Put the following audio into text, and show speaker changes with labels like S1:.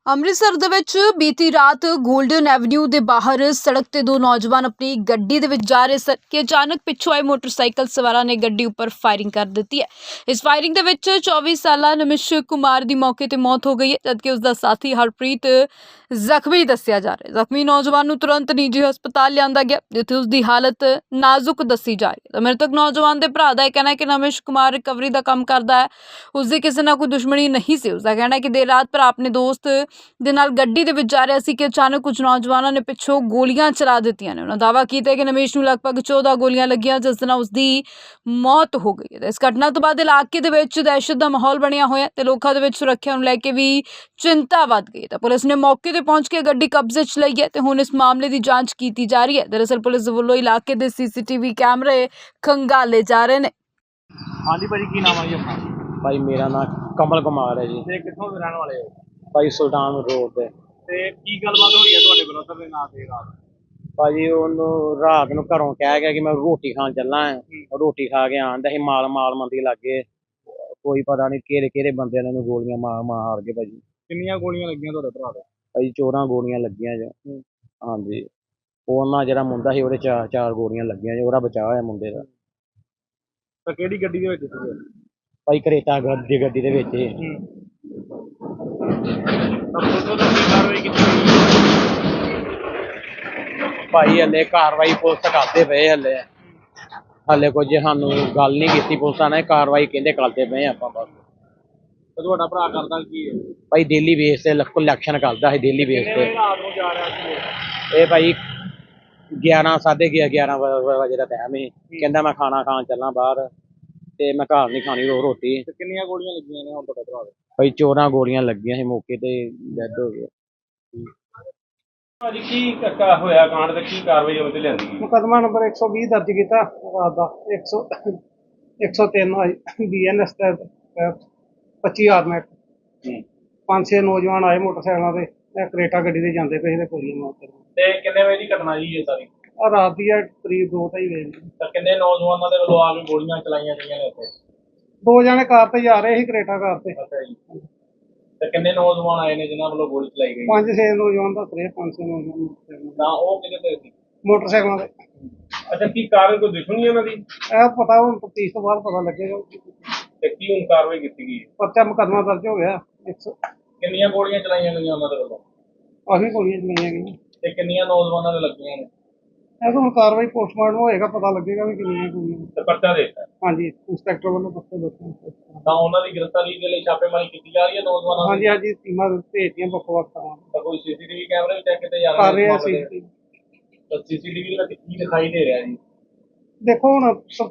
S1: ਅੰਮ੍ਰਿਤਸਰ ਦੇ ਵਿੱਚ ਬੀਤੀ ਰਾਤ ਗੋਲਡਨ ਐਵਨਿਊ ਦੇ ਬਾਹਰ ਸੜਕ ਤੇ ਦੋ ਨੌਜਵਾਨ ਆਪਣੀ ਗੱਡੀ ਦੇ ਵਿੱਚ ਜਾ ਰਹੇ ਸਨ ਕਿ ਅਚਾਨਕ ਪਿੱਛੋਂ ਆਏ ਮੋਟਰਸਾਈਕਲ ਸਵਾਰਾਂ ਨੇ ਗੱਡੀ ਉੱਪਰ ਫਾਇਰਿੰਗ ਕਰ ਦਿੱਤੀ ਹੈ। ਇਸ ਫਾਇਰਿੰਗ ਦੇ ਵਿੱਚ 24 ਸਾਲਾ ਨਮਿਸ਼ ਕੁਮਾਰ ਦੀ ਮੌਕੇ ਤੇ ਮੌਤ ਹੋ ਗਈ ਹੈ, ਜਦਕਿ ਉਸ ਦਾ ਸਾਥੀ ਹਰਪ੍ਰੀਤ ਜ਼ਖਮੀ ਦੱਸਿਆ ਜਾ ਰਿਹਾ ਹੈ। ਜ਼ਖਮੀ ਨੌਜਵਾਨ ਨੂੰ ਤੁਰੰਤ ਨਿੱਜੀ ਹਸਪਤਾਲ ਲਿਆਂਦਾ ਗਿਆ, ਜਿੱਥੇ ਉਸ ਦੀ ਹਾਲਤ ਨਾਜ਼ੁਕ ਦੱਸੀ ਜਾ ਰਹੀ ਹੈ। ਤਾਂ ਮ੍ਰਿਤਕ ਨੌਜਵਾਨ ਦੇ ਭਰਾ ਦਾ ਇਹ ਕਹਿਣਾ ਹੈ ਕਿ ਨਮਿਸ਼ ਕੁਮਾਰ ਰਿਕਵਰੀ ਦਾ ਕੰਮ ਕਰਦਾ ਹੈ, ਉਸ ਦੀ ਕਿਸੇ ਨਾਲ ਕੋਈ ਦੁਸ਼ਮਣੀ ਨਹੀਂ ਸੀ। ਉਸ ਦਾ ਕਹਿਣਾ ਹੈ ਕਿ ਦੇਰ ਰਾਤ ਭਰਾ ਆਪਣੇ ਦੋਸਤ ਦੇ ਨਾਲ ਗੱਡੀ ਦੇ ਵਿੱਚ ਜਾ ਰਿਹਾ ਸੀ ਕਿ ਅਚਾਨਕ ਕੁਝ ਨੌਜਵਾਨਾਂ ਨੇ ਪਿੱਛੋਂ ਗੋਲੀਆਂ ਚਲਾ ਦਿੱਤੀਆਂ ਨੇ। ਉਹਨਾਂ ਦਾਅਵਾ ਕੀਤਾ ਕਿ ਨਮੇਸ਼ ਨੂੰ ਲਗਭਗ 14 ਗੋਲੀਆਂ ਲੱਗੀਆਂ, ਜਿਸ ਨਾਲ ਉਸ ਦੀ ਮੌਤ ਹੋ ਗਈ ਹੈ। ਇਸ ਘਟਨਾ ਤੋਂ ਬਾਅਦ ਇਲਾਕੇ ਦੇ ਵਿੱਚ ਦਹਿਸ਼ਤ ਦਾ ਮਾਹੌਲ ਬਣਿਆ ਹੋਇਆ ਤੇ ਲੋਕਾਂ ਦੇ ਵਿੱਚ ਸੁਰੱਖਿਆ ਨੂੰ ਲੈ ਕੇ ਵੀ ਚਿੰਤਾ ਵੱਧ ਗਈ। ਤਾਂ ਪੁਲਿਸ ਨੇ ਮੌਕੇ ਤੇ ਪਹੁੰਚ ਕੇ ਗੱਡੀ ਕਬਜ਼ੇ 'ਚ ਲਈ ਹੈ ਤੇ ਹੁਣ ਇਸ ਮਾਮਲੇ ਦੀ ਜਾਂਚ ਕੀਤੀ ਜਾ ਰਹੀ ਹੈ। ਦਰਅਸਲ ਪੁਲਿਸ ਵੱਲੋਂ ਇਲਾਕੇ ਦੇ ਸੀਸੀਟੀਵੀ ਕੈਮਰੇ ਖੰਗਾਲੇ ਜਾ ਰਹੇ ਨੇ।
S2: ਹਾਂਜੀ ਭਾਜੀ, ਕੀ ਨਾਮ ਹੈ ਜੀ ਆਪਣਾ?
S3: ਭਾਈ ਮੇਰਾ ਨਾਮ ਕਮਲ ਕੁਮਾਰ ਹੈ ਜੀ।
S2: ਤੇ ਕਿੱਥੋਂ ਦੇ ਰਹਿਣ ਵਾਲੇ ਹੋ?
S3: ਭਾਈ ਸੁਲਤਾਨ ਰੋਡ ਤੇ।
S2: ਤੇ ਕੀ ਗੱਲਬਾਤ ਹੋਈ ਹੈ ਤੁਹਾਡੇ ਬ੍ਰਦਰ ਦੇ ਨਾਲ ਤੇ ਰਾਤ?
S3: ਭਾਜੀ ਉਹਨੂੰ ਰਾਤ ਨੂੰ ਘਰੋਂ ਕਹਿ ਗਿਆ ਕਿ ਮੈਂ ਰੋਟੀ ਖਾਣ ਚੱਲਾਂ ਹੈ। ਰੋਟੀ ਖਾ ਕੇ ਆਂਦਾ ਸੀ, ਮਾਲ ਮੰਦੀ ਲੱਗੇ ਕੋਈ ਪਤਾ ਨਹੀਂ ਕਿਹੜੇ ਕਿਹੜੇ ਬੰਦਿਆਂ ਨੇ ਉਹਨੂੰ ਗੋਲੀਆਂ ਮਾਰ ਕੇ ਭਾਜੀ।
S2: ਕਿੰਨੀਆਂ ਗੋਲੀਆਂ ਲੱਗੀਆਂ ਤੁਹਾਡੇ ਭਰਾ ਦੇ?
S3: ਭਾਜੀ 14 ਗੋਲੀਆਂ ਲੱਗੀਆਂ ਜੀ। ਹਾਂਜੀ, ਉਹਨਾਂ ਜਿਹੜਾ ਮੁੰਡਾ ਸੀ ਉਹਦੇ ਚਾਰ ਗੋਲੀਆਂ ਲੱਗੀਆਂ ਜੀ। ਉਹਦਾ ਬਚਾਅ ਹੋਇਆ ਮੁੰਡੇ ਦਾ।
S2: ਤਾਂ ਕਿਹੜੀ ਗੱਡੀ ਦੇ ਵਿੱਚ ਸੀਗੇ?
S3: ਭਾਈ ਕਰੇਟਾ ਗੱਡੀ ਦੇ ਵਿੱਚ ਹੀ।
S2: ਤਾਂ ਪੁਲਿਸ ਵੱਲੋਂ ਕੀ ਕਾਰਵਾਈ ਕੀਤੀ ਗਈ?
S3: ਭਾਈ ਹਲੇ ਕਾਰਵਾਈ ਪੁਲਿਸ ਕਰਦੇ ਪਏ। ਹਲੇ ਕੁਝ ਸਾਨੂੰ ਗੱਲ ਨਹੀਂ ਕੀਤੀ ਪੁਲਿਸਾਂ ਨੇ। ਕਾਰਵਾਈ ਕਹਿੰਦੇ ਕਰਦੇ ਪਏ ਆਪਾਂ ਬਸ।
S2: ਤੇ ਤੁਹਾਡਾ ਭਰਾ ਕਰਦਾ ਕੀ ਹੈ?
S3: ਭਾਈ ਡੇਲੀ ਬੇਸ ਤੇ ਕਲੈਕਸ਼ਨ ਕਰਦਾ ਸੀ, ਡੇਲੀ ਬੇਸ ਤੇ।
S2: ਰਾਤ ਨੂੰ ਜਾ ਰਿਹਾ ਸੀ
S3: ਇਹ ਭਾਈ 11 ਵਜੇ ਦਾ ਟਾਈਮ ਸੀ। ਕਹਿੰਦਾ ਮੈਂ ਖਾਣਾ ਖਾਣ ਚੱਲਾਂ ਬਾਹਰ ਤੇ ਮੈਂ ਘਰ ਨਹੀਂ ਖਾਣੀ ਰੋਟੀ।
S2: ਤੇ ਕਿੰਨੀਆਂ ਗੋਲੀਆਂ ਲੱਗੀਆਂ ਨੇ ਹੁਣ ਤੁਹਾਡੇ ਭਰਾ ਦੇ?
S3: ਭਾਈ 14 ਗੋਲੀਆਂ ਲੱਗੀਆਂ ਸੀ, ਮੌਕੇ ਤੇ ਡੈਡ ਹੋ ਗਏ।
S2: ਭਾਜੀ ਕੀ ਹੋਇਆ ਕਾਂਡ ਤੇ ਕੀ ਕਾਰਵਾਈ ਉਹਦੇ ਲਿਆਂਦੀ ਗਈ?
S4: ਮੁਕੱਦਮਾ ਨੰਬਰ 120 ਦਰਜ ਕੀਤਾ ਰਾਤ ਦਾ। 103 BNS ਦੇ 25 ਆਰਮੈਟ। 5-6 ਨੌਜਵਾਨ ਆਏ ਮੋਟਰਸਾਈਕਲਾਂ ਤੇ, ਕਰੇਟਾ ਗੱਡੀ ਤੇ ਜਾਂਦੇ ਪਏ ਤੇ ਗੋਲੀਆਂ ਮਾਰ।
S2: ਤੇ ਕਿੰਨੇ ਵਜੇ ਦੀ ਘਟਨਾ ਜੀ ਇਹ ਸਾਰੀ?
S4: ਆ ਰਾਤ ਦੀ ਹੈ, ਕਰੀਬ 2-2:30 ਵਜੇ।
S2: ਤਾਂ ਕਿੰਨੇ ਨੌਜਵਾਨਾਂ ਦੇ ਵੱਲੋਂ ਆ ਕੇ ਗੋਲੀਆਂ ਚਲਾਈਆਂ ਗਈਆਂ ਨੇ ਉੱਥੇ?
S4: 2 ਜਣੇ ਕਾਰ ਤੇ ਜਾ ਰਹੇ ਸੀ, ਕਰੇਟਾ ਕਾਰ ਤੇ।
S2: ਅੱਛਾ ਜੀ। ਤੇ ਕਿੰਨੇ ਨੌਜਵਾਨ ਆਏ ਨੇ ਜਿਨ੍ਹਾਂ ਵੱਲੋਂ ਗੋਲੀ ਚਲਾਈ ਗਈ?
S4: 5-6 ਨੌਜਵਾਨ ਦੱਸ ਰਹੇ, 5-6 ਨੌਜਵਾਨ
S2: ਤਾਂ ਉਹ ਕਿਹਦੇ ਤੇ ਸੀ?
S4: ਮੋਟਰਸਾਈਕਲਾਂ ਤੇ।
S2: ਅੱਛਾ, ਕੀ ਕਾਰਨ ਕੋਈ ਦੁਸ਼ਮਣੀ ਉਹਨਾਂ ਦੀ?
S4: ਇਹ ਪਤਾ ਹੁਣ ਤਫਤੀਸ਼ ਤੋਂ ਬਾਅਦ ਪਤਾ ਲੱਗੇਗਾ।
S2: ਤੇ ਕੀ ਹੁਣ ਕਾਰਵਾਈ ਕੀਤੀ ਗਈ?
S4: ਪਰਚਾ ਮੁਕੱਦਮਾ ਦਰਜ ਹੋ ਗਿਆ।
S2: ਕਿੰਨੀਆਂ ਗੋਲੀਆਂ ਚਲਾਈਆਂ ਗਈਆਂ ਉਹਨਾਂ ਦੇ ਵੱਲੋਂ?
S4: ਕਾਫੀ ਗੋਲੀਆਂ ਚਲਾਈਆਂ ਗਈਆਂ।
S2: ਤੇ ਕਿੰਨੀਆਂ ਨੌਜਵਾਨਾਂ ਦੇ ਲੱਗੀਆਂ ਨੇ?
S4: ਇਹ ਤਾਂ ਹੁਣ ਕਾਰਵਾਈ ਪੋਸਟਮਾਰਟਮ ਹੋਏਗਾ, ਪਤਾ ਲੱਗੇਗਾ ਵੀ ਕਿੰਨੀਆਂ ਗੋਲੀਆਂ।
S2: ਤੇ ਪਰਚਾ ਦੇ ਦਿੱਤਾ?
S4: ਹਾਂਜੀ, ਇੰਸਪੈਕਟਰ ਵੱਲੋਂ ਦੱਸੋ ਦੱਸੋ।
S2: ਤਾਂ ਉਹਨਾਂ ਦੀ ਗ੍ਰਿਫਤਾਰੀ ਦੇ ਲਈ ਛਾਪੇਮਾਰੀ ਕੀਤੀ ਜਾ ਰਹੀ ਹੈ ਨੌਜਵਾਨਾਂ ਦੀ?
S4: ਹਾਂਜੀ, ਟੀਮਾਂ ਭੇਜਤੀਆਂ ਵੱਖ-ਵੱਖ ਥਾਵਾਂ ਤੇ।
S2: ਤਾਂ ਕੋਈ ਸੀਸੀਟੀਵੀ ਕੈਮਰੇ ਵੀ ਚੈੱਕ ਕੀਤੇ ਜਾ
S4: ਕਰ
S2: ਰਹੇ
S4: ਰਹੇ
S2: ਨੇ?
S4: ਅਸੀਂ।
S2: ਤਾਂ ਸੀਸੀਟੀਵੀ ਵਿੱਚ ਕੀ ਦਿਖਾਈ ਦੇ ਰਿਹਾ ਜੀ?
S4: ਦੇਖੋ ਹੁਣ